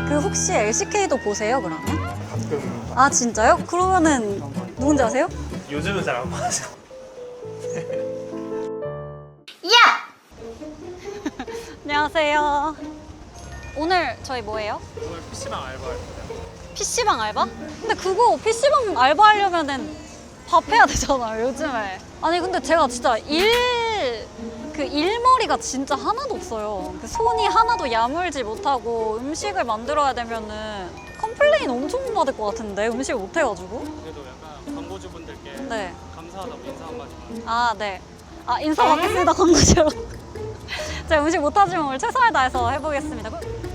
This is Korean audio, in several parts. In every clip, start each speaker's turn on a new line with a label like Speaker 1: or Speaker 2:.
Speaker 1: 그 혹시 LCK도 보세요 그러면?
Speaker 2: 가끔
Speaker 1: 아 진짜요? 그러면은 누군지 아세요?
Speaker 2: 요즘은 잘 안 봐서.
Speaker 1: 안녕하세요. 오늘 저희 뭐예요?
Speaker 2: 오늘 PC방 알바입니다.
Speaker 1: PC방 알바? 근데 그거 PC방 알바 하려면은 밥 해야 되잖아요 요즘에. 아니 근데 제가 진짜 일머리가 진짜 하나도 없어요. 그 손이 하나도 야물지 못하고 음식을 만들어야 되면은 컴플레인 엄청 받을 것 같은데 음식을 못 해가지고.
Speaker 2: 그래도 약간 광고주분들께
Speaker 1: 네.
Speaker 2: 감사하다고 인사 한마디만.
Speaker 1: 아 네. 아 인사 받겠습니다 광고주로. 제가 음식 못하지만 오늘 최선을 다해서 해보겠습니다.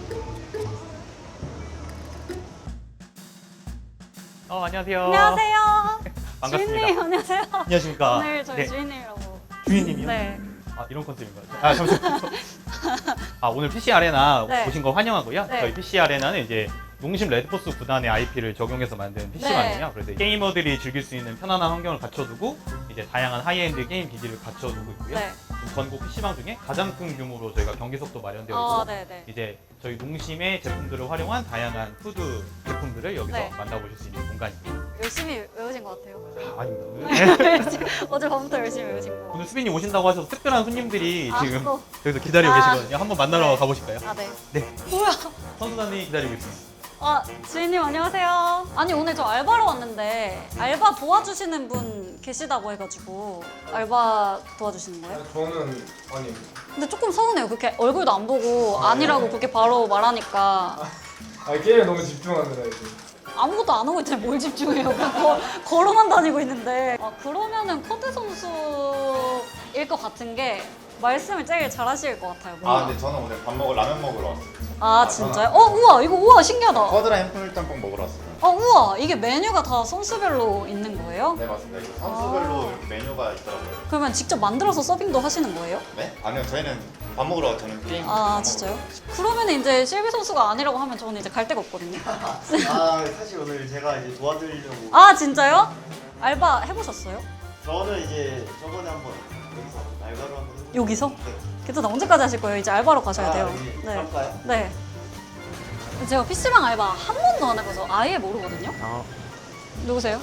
Speaker 2: 안녕하세요.
Speaker 1: 안녕하세요.
Speaker 2: 반갑습니다.
Speaker 1: 주인님 안녕하세요.
Speaker 2: 안녕하십니까.
Speaker 1: 오늘 저희
Speaker 2: 네.
Speaker 1: 주인님이라고.
Speaker 2: 주인님이요?
Speaker 1: 네.
Speaker 2: 아 이런 컨셉인가요? 아 잠시만요. 오늘 PC 아레나
Speaker 1: 네.
Speaker 2: 오신 거 환영하고요.
Speaker 1: 네.
Speaker 2: 저희 PC 아레나는 이제 농심 레드포스 구단의 IP를 적용해서 만든 PC방이에요.
Speaker 1: 네.
Speaker 2: 그래서 게이머들이 즐길 수 있는 편안한 환경을 갖춰두고 이제 다양한 하이엔드 게임 기기를 갖춰두고 있고요.
Speaker 1: 네.
Speaker 2: 전국 PC방 중에 가장 큰 규모로 저희가 경기석도 마련되어 있고
Speaker 1: 아 네네.
Speaker 2: 이제 저희 농심의 제품들을 활용한 다양한 푸드 제품들을 여기서
Speaker 1: 네.
Speaker 2: 만나보실 수 있는 공간입니다.
Speaker 1: 열심히 외우신 것 같아요.
Speaker 2: 아닙니다.
Speaker 1: 어제밤부터 열심히 외우신 거.
Speaker 2: 오늘 수빈님 오신다고 하셔서 특별한 손님들이 지금
Speaker 1: 또.
Speaker 2: 여기서 기다리고
Speaker 1: 아.
Speaker 2: 계시거든요. 한번 만나러
Speaker 1: 네.
Speaker 2: 가보실까요?
Speaker 1: 아 네.
Speaker 2: 네.
Speaker 1: 뭐야?
Speaker 2: 선수단이 기다리고 있습니다.
Speaker 1: 아 주인님 안녕하세요. 아니 오늘 저 알바로 왔는데 알바 도와주시는 분 계시다고 해가지고 알바 도와주시는 거예요?
Speaker 3: 저는 아니
Speaker 1: 근데 조금 서운해요. 그렇게 얼굴도 안 보고 아니라고 그렇게 바로 말하니까
Speaker 3: 게임에 너무 집중하느라 이제
Speaker 1: 아무것도 안 하고 있잖아요. 뭘 집중해요. 그냥 걸어만 다니고 있는데. 아 그러면은 코드 선수일 것 같은 게 말씀을 제일 잘하실 것 같아요. 뭔가.
Speaker 4: 근데 저는 오늘 라면 먹으러 왔어요.
Speaker 1: 아 진짜요? 우와 이거 우와 신기하다.
Speaker 4: 쿼드랑 해물짬뽕 먹으러 왔어요.
Speaker 1: 우와 이게 메뉴가 다 선수별로 있는 거예요?
Speaker 4: 네 맞습니다. 이거 선수별로 이렇게 메뉴가 있더라고요.
Speaker 1: 그러면 직접 만들어서 서빙도 하시는 거예요?
Speaker 4: 네? 아니요 저희는 밥 먹으러 와요. 저는 게임.
Speaker 1: 아
Speaker 4: 밥
Speaker 1: 진짜요? 그러면 이제 실비 선수가 아니라고 하면 저는 이제 갈 데가 없거든요.
Speaker 5: 사실 오늘 제가 이제 도와드리려고
Speaker 1: 아 진짜요? 알바 해보셨어요?
Speaker 5: 저는 이제 저번에 한번 여기서 알바로 한번 해보고
Speaker 1: 여기서?
Speaker 5: 네.
Speaker 1: 괜찮아 언제까지 하실 거예요? 이제 알바로 가셔야 돼요.
Speaker 5: 네.
Speaker 1: 네.
Speaker 5: 할까요?
Speaker 1: 네. 제가 PC방 알바 한 번도 안 해봐서 아예 모르거든요. 누구세요?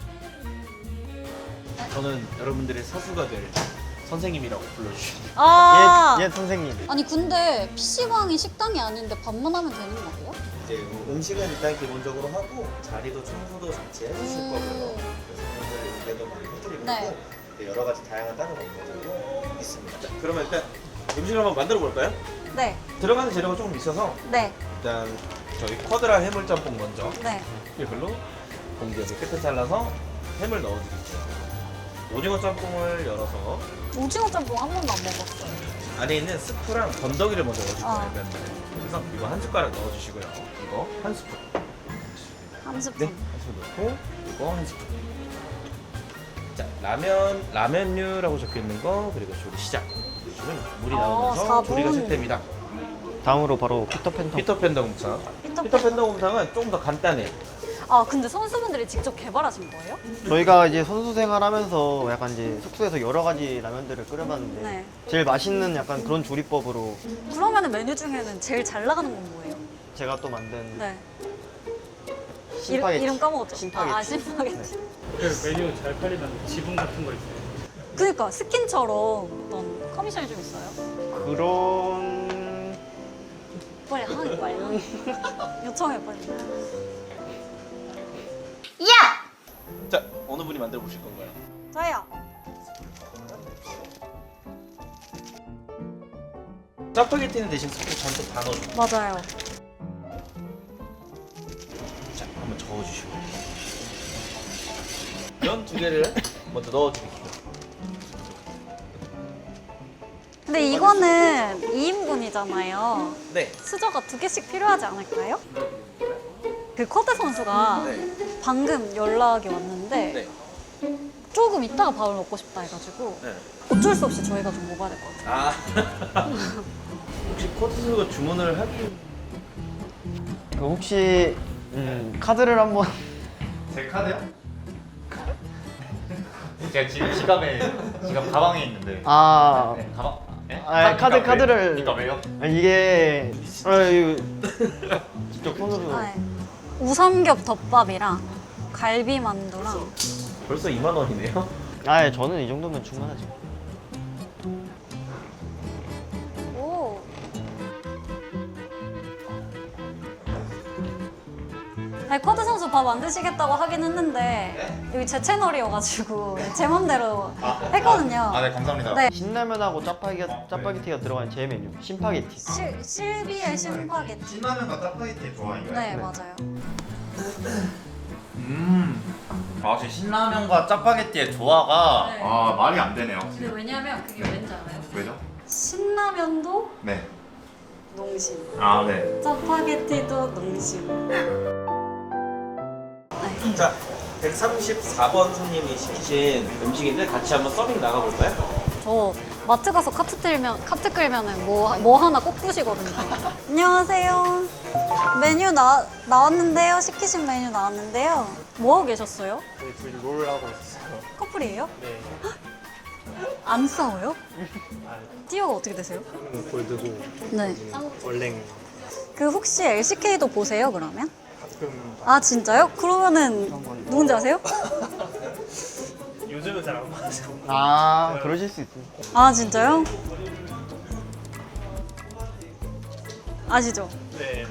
Speaker 6: 저는 여러분들의 사수가 될 선생님이라고 불러주시면
Speaker 1: 아
Speaker 5: 옛 선생님
Speaker 1: 아니 근데 PC방이 식당이 아닌데 밥만 하면 되는 거예요?
Speaker 5: 이제 음식은 일단 기본적으로 하고 자리도 청소도 같이 해주실
Speaker 1: 음.
Speaker 5: 거고요. 그래서 오늘도 많이 해드릴
Speaker 1: 네.
Speaker 5: 거고 이제 여러 가지 다양한 다른 업무들도 있습니다.
Speaker 6: 그러면 일단 음식을 한번 만들어 볼까요?
Speaker 1: 네.
Speaker 6: 들어가는 재료가 조금 있어서
Speaker 1: 네.
Speaker 6: 일단 저희 쿼드라 해물짬뽕 먼저
Speaker 1: 네.
Speaker 6: 이걸로 공기 여기 끝에 잘라서 햄을 넣어드릴게요. 오징어 짬뽕을 열어서
Speaker 1: 오징어 짬뽕 한 번도 안 먹었어요.
Speaker 6: 안에 있는 스프랑 건더기를 먼저 넣어줄 거예요.
Speaker 1: 아.
Speaker 6: 면을. 그래서 이거 한 숟가락 넣어주시고요. 이거 한 스푼.
Speaker 1: 한
Speaker 6: 네,
Speaker 1: 스푼.
Speaker 6: 한 스푼 넣고 이거 한 스푼. 자, 라면류라고 적혀 있는 거 그리고 조리 시작. 요즘은 물이 나오면서
Speaker 1: 4분.
Speaker 6: 조리가 시작됩니다.
Speaker 5: 다음으로 바로 피터팬
Speaker 6: 피터팬더 곰탕. 피터팬더 곰탕은 조금 더 간단해요.
Speaker 1: 아 근데 선수분들이 직접 개발하신 거예요?
Speaker 5: 저희가 이제 선수 생활하면서 약간 이제 숙소에서 여러 가지 라면들을 끓여봤는데
Speaker 1: 네.
Speaker 5: 제일 맛있는 약간 그런 조리법으로
Speaker 1: 그러면은 메뉴 중에는 제일 잘 나가는 건 뭐예요?
Speaker 5: 제가 또 만든
Speaker 1: 네.
Speaker 5: 심파게티.
Speaker 1: 이름 까먹었죠?
Speaker 5: 심파게티.
Speaker 1: 아 심파게티.
Speaker 2: 그 메뉴 잘 팔리면 지분 같은 거 있어요.
Speaker 1: 그니까 스킨처럼 어떤 커미션이 좀 있어요?
Speaker 5: 그런
Speaker 1: 빨리 하는 빨리. 요청해 빨리.
Speaker 6: 자, 어느 분이 만들어 보실 건가요?
Speaker 1: 저요.
Speaker 6: 짜파게티는 대신 스프 잔뜩 다 넣어주고
Speaker 1: 맞아요.
Speaker 6: 자, 한번 저어주시고 면 두 개를 먼저 넣어드릴게요.
Speaker 1: 근데 이거는 2인분이잖아요.
Speaker 6: 네.
Speaker 1: 수저가 2개씩 필요하지 않을까요? 그 쿼드 선수가
Speaker 6: 네.
Speaker 1: 방금 연락이 왔는데
Speaker 6: 네.
Speaker 1: 조금 이따가 밥을 먹고 싶다 해가지고
Speaker 6: 네.
Speaker 1: 어쩔 수 없이 저희가 좀 먹어야 될 것 같아요.
Speaker 6: 아. 혹시 코트가 주문을 하기
Speaker 5: 혹시 카드를 한번
Speaker 4: 제 카드요? 제가 지금 지갑 가방에 있는데.
Speaker 5: 네,
Speaker 4: 가방? 네?
Speaker 5: 카드를
Speaker 4: 그러니까 왜요?
Speaker 5: 이게 이거 직접 손으로.
Speaker 1: 네. 우삼겹 덮밥이랑 갈비 만두랑
Speaker 6: 벌써 2만 원이네요.
Speaker 5: 아, 저는 이 정도면 충분하죠.
Speaker 1: 오. 아니, 쿼드 선수 밥 안 드시겠다고 하긴 했는데 여기 제 채널이어가지고 제 맘대로 했거든요.
Speaker 4: 아, 네, 감사합니다.
Speaker 1: 네.
Speaker 5: 신라면하고 짜파게티가 들어간 제 메뉴, 신파게티.
Speaker 1: 실비의 심파게티.
Speaker 4: 신라면과 짜파게티 좋아해요.
Speaker 1: 네, 맞아요.
Speaker 4: 아, 신라면과 짜파게티의 조화가
Speaker 1: 네.
Speaker 4: 아, 말이 안 되네요.
Speaker 1: 근데 왜냐면 그게 왠지 알아요?
Speaker 4: 왜죠?
Speaker 1: 신라면도
Speaker 4: 네.
Speaker 1: 농심,
Speaker 4: 아, 네.
Speaker 1: 짜파게티도 농심. 네.
Speaker 6: 자, 134번 손님이 시키신 음식인데 같이 한번 서빙 나가볼까요?
Speaker 1: 저 마트 가서 카트 끌면은 뭐 하나 꼭 부시거든요. 안녕하세요. 메뉴 나왔는데요. 시키신 메뉴 나왔는데요. 뭐 하고 계셨어요?
Speaker 3: 저희 둘이 롤 하고 있었어요.
Speaker 1: 커플이에요?
Speaker 3: 네.
Speaker 1: 안 싸워요? 띠어가 어떻게 되세요?
Speaker 3: 골드고
Speaker 1: 네.
Speaker 3: 얼랭
Speaker 1: 그 혹시 LCK도 보세요 그러면?
Speaker 3: 가끔
Speaker 1: 아 진짜요? 그러면은 누군지 아세요?
Speaker 3: 요즘은 잘 안 봐서.
Speaker 5: 아, 그러실 수 있어요.
Speaker 1: 아 진짜요? 아시죠?
Speaker 3: 네.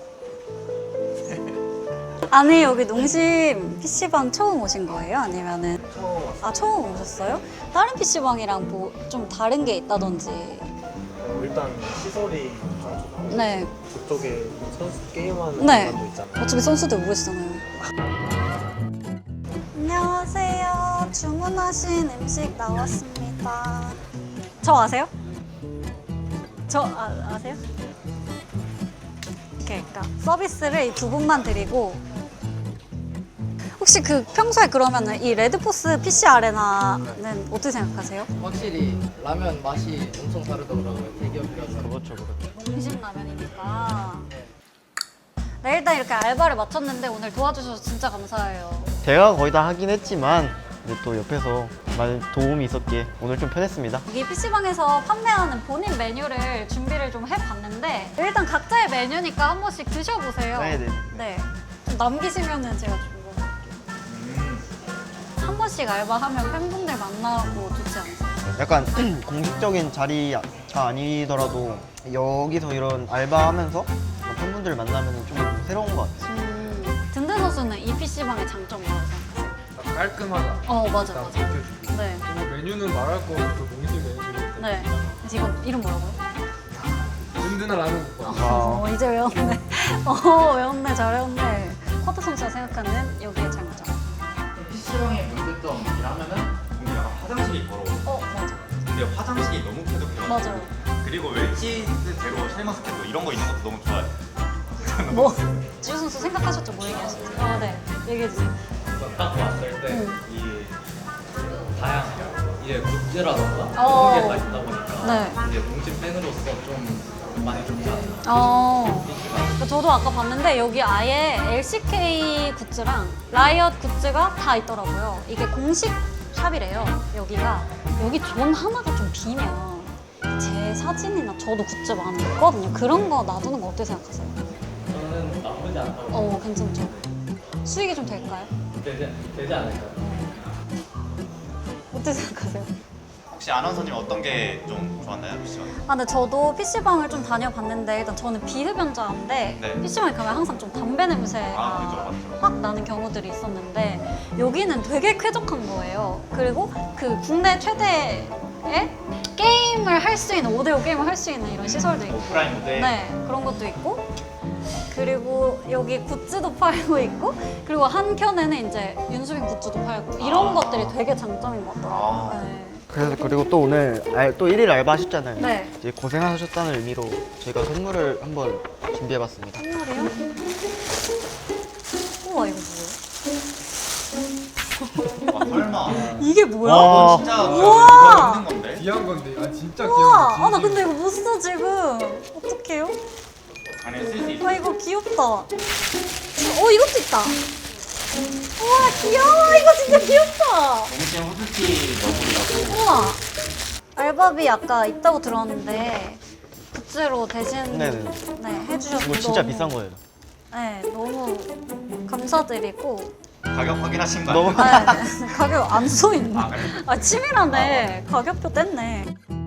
Speaker 1: 아니 여기 농심 PC방 처음 오신 거예요? 아니면은
Speaker 3: 처음 왔어요.
Speaker 1: 아 처음 오셨어요? 다른 PC방이랑 뭐 좀 다른 게 있다든지.
Speaker 3: 일단 시설이 좀
Speaker 1: 네.
Speaker 3: 그쪽에 선수 게임하는
Speaker 1: 네.
Speaker 3: 사람도 있잖아요.
Speaker 1: 어차피 선수들 오고 계시잖아요. 안녕하세요. 주문하신 음식 나왔습니다. 저 아세요? 저 아세요? 그러니까 서비스를 이 두 분만 드리고 혹시 그 평소에 그러면은 이 레드포스 PC 아레나는 어떻게 생각하세요?
Speaker 7: 확실히 라면 맛이 엄청 다르더라고요. 대기업이라서.
Speaker 5: 그렇죠, 그렇죠.
Speaker 1: 농심 라면이니까. 네, 일단 이렇게 알바를 마쳤는데 오늘 도와주셔서 진짜 감사해요.
Speaker 5: 제가 거의 다 하긴 했지만 이제 또 옆에서 많은 도움이 있었기에 오늘 좀 편했습니다.
Speaker 1: 여기 PC방에서 판매하는 본인 메뉴를 준비를 좀 해봤는데 일단 각자의 메뉴니까 한 번씩 드셔보세요.
Speaker 5: 네네.
Speaker 1: 네. 좀 남기시면은 제가 좀 한 번씩 알바하면 팬분들 만나고 좋지 않나요?
Speaker 5: 약간 공식적인 자리가 아니더라도 여기서 이런 알바하면서 팬분들 만나면 좀 새로운 것 같아요.
Speaker 1: 든든 선수는 이 PC방의 장점이 뭐라고 생각하세요?
Speaker 3: 깔끔하다.
Speaker 1: 맞아.
Speaker 3: 지켜주고.
Speaker 1: 네.
Speaker 3: 그리고 메뉴는 말할 거 없고 농심 메뉴니까.
Speaker 1: 네. 지금 이름 뭐라고요?
Speaker 3: 든든한 라면 국밥.
Speaker 5: 아,
Speaker 1: 이제 외웠네. 외웠네. 잘 외웠네. 쿼드 선수가 생각하는 여기의 장점.
Speaker 4: PC방의 문제점이라면은 근데 약간 화장실이 더러워.
Speaker 1: 맞아.
Speaker 4: 근데 화장실이 너무 쾌적해요.
Speaker 1: 맞아요.
Speaker 4: 그리고 웰치대로 샤인머스켓도 이런 거 있는 것도 너무 좋아요.
Speaker 1: 뭐? 지우 선수 생각하셨죠? 뭐 얘기하셨죠? 네. 얘기해주세요.
Speaker 7: 딱 왔을 때 이 다양한 이게 굿즈라던가
Speaker 1: 어.
Speaker 7: 그런 게 다 있다 보니까
Speaker 1: 네.
Speaker 7: 이제 농심 팬으로서 좀 많이 좋지 않나. PC방.
Speaker 1: 저도 아까 봤는데 여기 아예 LCK 굿즈랑 라이엇 굿즈가 다 있더라고요. 이게 공식 샵이래요. 여기 존 하나가 좀 비면 제 사진이나 저도 굿즈 많이 있거든요. 그런 거 놔두는 거 어떻게 생각하세요?
Speaker 7: 저는 나쁘지 않다고.
Speaker 1: 괜찮죠. 수익이 좀 될까요?
Speaker 7: 되지 않을까요?
Speaker 1: 어떻게 생각하세요?
Speaker 4: 혹시 아나운서님 어떤 게 좀 좋았나요, PC방?
Speaker 1: 근데 저도 PC방을 좀 다녀봤는데 일단 저는 비흡연자인데
Speaker 4: 네.
Speaker 1: PC방에 가면 항상 좀 담배 냄새가
Speaker 4: 그죠, 맞죠.
Speaker 1: 확 나는 경우들이 있었는데 여기는 되게 쾌적한 거예요. 그리고 그 국내 최대의 게임을 할 수 있는 5대5 게임을 할 수 있는 이런 시설도 있고
Speaker 4: 오프라인 무대.
Speaker 1: 네, 그런 것도 있고 그리고 여기 굿즈도 팔고 있고 그리고 한켠에는 이제 윤수빈 굿즈도 팔고 이런 것들이 되게 장점인 것 같더라고요.
Speaker 4: 아.
Speaker 1: 네.
Speaker 5: 그리고 또 오늘 또 1일 알바 하셨잖아요.
Speaker 1: 네.
Speaker 5: 이제 고생하셨다는 의미로 저희가 선물을 한번 준비해봤습니다.
Speaker 1: 선물이요? 우와 이거 뭐예요?
Speaker 4: 아, 설마.
Speaker 1: 이게 뭐야?
Speaker 5: 와.
Speaker 4: 진짜
Speaker 1: 우와.
Speaker 4: 이거 있는 건데?
Speaker 3: 귀한 건데. 아 진짜
Speaker 1: 우와!
Speaker 3: 귀여워.
Speaker 1: 나 근데 이거 못 써 지금. 어떡해요?
Speaker 4: 안에 쓸 수 있어.
Speaker 1: 이거 귀엽다. 이것도 있다. 우와 귀여워. 이거 진짜 귀엽다.
Speaker 4: 농심 후드티 너구리라고.
Speaker 1: 우와. 알바비 아까 있다고 들었는데 굿즈로 대신
Speaker 5: 네네.
Speaker 1: 네, 해주셔서
Speaker 5: 이거 진짜
Speaker 1: 너무
Speaker 5: 비싼 거예요.
Speaker 1: 네, 너무 감사드리고.
Speaker 4: 가격 확인하신 거
Speaker 5: 너무
Speaker 4: 아니에요?
Speaker 1: 네, 가격 안 써 있네.
Speaker 4: 아, 그래?
Speaker 1: 아, 치밀하네. 가격표 뗐네.